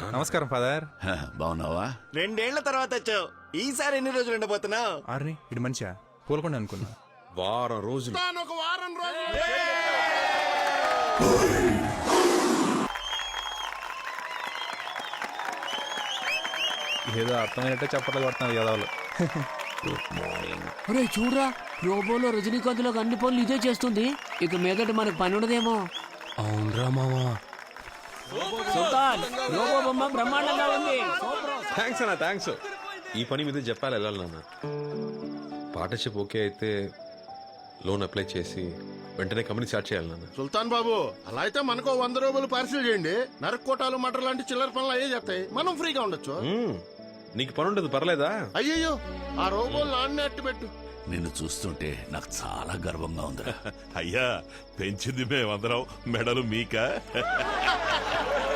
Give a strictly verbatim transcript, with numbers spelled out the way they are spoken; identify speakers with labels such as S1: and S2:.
S1: నమస్కారం ఫాదర్.
S2: బాగున్నావా?
S3: రెండేళ్ల తర్వాత వచ్చావు. ఈసారి ఎన్ని రోజులు ఉండబోతున్నావు?
S1: ఆర్ని ఇటు మంచిగా పూలకుండా అనుకున్నా.
S4: వారం రోజులు.
S5: ఒక వారం రోజులు
S1: ఏదో అర్థమైనట్టే చెప్పట్లు కొడుతున్నారు యాదవులు.
S6: ఒరే చూడరా, రోబోలో రజనీకాంత్ లో అన్ని పనులు ఇదే చేస్తుంది. ఇక మీదట మనకు పని ఉండదేమో.
S5: అవునరా మామా.
S6: సుల్తాన్, రోబో బొమ్మ బ్రహ్మాండంగా ఉంది.
S4: థ్యాంక్స్ అన్న, థ్యాంక్స్. ఈ పని మీద చెప్పాలి వెళ్ళాలి నాన్న. పార్ట్నర్షిప్ ఓకే అయితే లోన్ అప్లై చేసి వెంటనే కంపెనీ స్టార్ట్ చేయాలి నాన్న.
S5: సుల్తాన్ బాబు, అలా అయితే మనకు వంద రూపాయలు పార్సిల్ చేయండి. నరకోటాలు మటర్ లాంటి చిల్లర పనులు అయ్యే చేస్తాయి, మనం ఫ్రీగా ఉండొచ్చు.
S4: మ్మ్. నీకు పని ఉండదు పర్లేదా?
S5: అయ్యయ్యో, ఆ రోబోలు నాన్నే అట్టు పెట్టు.
S2: నిన్ను చూస్తుంటే నాకు చాలా గర్వంగా ఉందిరా.
S7: అయ్యా, పెంచింది మేమందరం, మెడలు మీక.